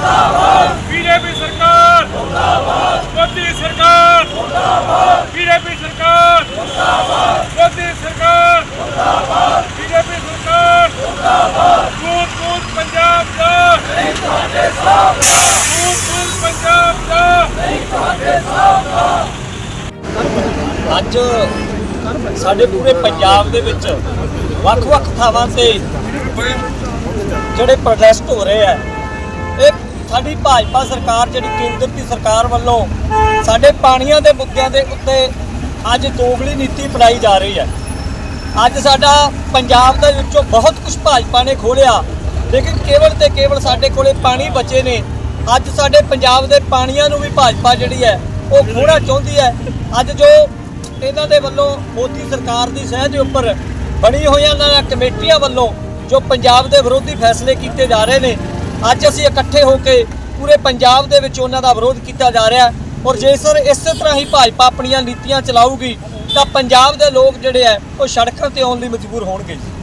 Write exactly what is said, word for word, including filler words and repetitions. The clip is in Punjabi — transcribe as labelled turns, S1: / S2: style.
S1: बीजेपी सरकार मोदी सरकार बीजेपी सरकार मोदी सरकार बीजेपी सरकार दूध दूध पंजाब का दूध दूध पंजाब का
S2: ਅੱਜ ਸਾਡੇ ਪੂਰੇ ਪੰਜਾਬ ਦੇ ਵਿੱਚ ਵੱਖ-ਵੱਖ ਥਾਵਾਂ ਤੇ ਜਿਹੜੇ ਪ੍ਰੋਟੈਸਟ ਹੋ ਰਹੇ ਆ, ਇਹ ਸਾਡੀ ਭਾਜਪਾ ਸਰਕਾਰ ਜਿਹੜੀ ਕੇਂਦਰ ਦੀ ਸਰਕਾਰ ਵੱਲੋਂ ਸਾਡੇ ਪਾਣੀਆਂ ਦੇ ਮੁੱਦਿਆਂ ਦੇ ਉੱਤੇ ਅੱਜ ਦੋਗਲੀ ਨੀਤੀ ਅਪਣਾਈ ਜਾ ਰਹੀ ਹੈ। ਅੱਜ ਸਾਡਾ ਪੰਜਾਬ ਦੇ ਵਿੱਚੋਂ ਬਹੁਤ ਕੁਝ ਭਾਜਪਾ ਨੇ ਖੋਲਿਆ, ਲੇਕਿਨ ਕੇਵਲ ਤੇ ਕੇਵਲ ਸਾਡੇ ਕੋਲੇ ਪਾਣੀ ਬਚੇ ਨੇ। ਅੱਜ ਸਾਡੇ ਪੰਜਾਬ ਦੇ ਪਾਣੀਆਂ ਨੂੰ ਵੀ ਭਾਜਪਾ ਜਿਹੜੀ ਹੈ ਉਹ ਖੋਣਾ ਚਾਹੁੰਦੀ ਹੈ। ਅੱਜ ਜੋ ਇਹਨਾਂ ਦੇ ਵੱਲੋਂ ਮੋਦੀ ਸਰਕਾਰ ਦੀ ਸਹਿ ਦੇ ਉੱਪਰ ਬਣੀ ਹੋਈਆਂ ਇਹਨਾਂ ਕਮੇਟੀਆਂ ਵੱਲੋਂ ਜੋ ਪੰਜਾਬ ਦੇ ਵਿਰੋਧੀ ਫੈਸਲੇ ਕੀਤੇ ਜਾ ਰਹੇ ਨੇ, ਅੱਜ ਅਸੀਂ ਇਕੱਠੇ ਹੋ ਕੇ ਪੂਰੇ ਪੰਜਾਬ ਦੇ ਵਿੱਚ ਉਹਨਾਂ ਦਾ ਵਿਰੋਧ ਕੀਤਾ ਜਾ ਰਿਹਾ। ਔਰ ਜੇਕਰ ਇਸੇ ਤਰ੍ਹਾਂ ਹੀ ਭਾਜਪਾ ਆਪਣੀਆਂ ਨੀਤੀਆਂ ਚਲਾਊਗੀ ਤਾਂ ਪੰਜਾਬ ਦੇ ਲੋਕ ਜਿਹੜੇ ਆ ਉਹ ਸੜਕਾਂ ਤੇ ਆਉਣ ਲਈ ਮਜਬੂਰ ਹੋਣਗੇ।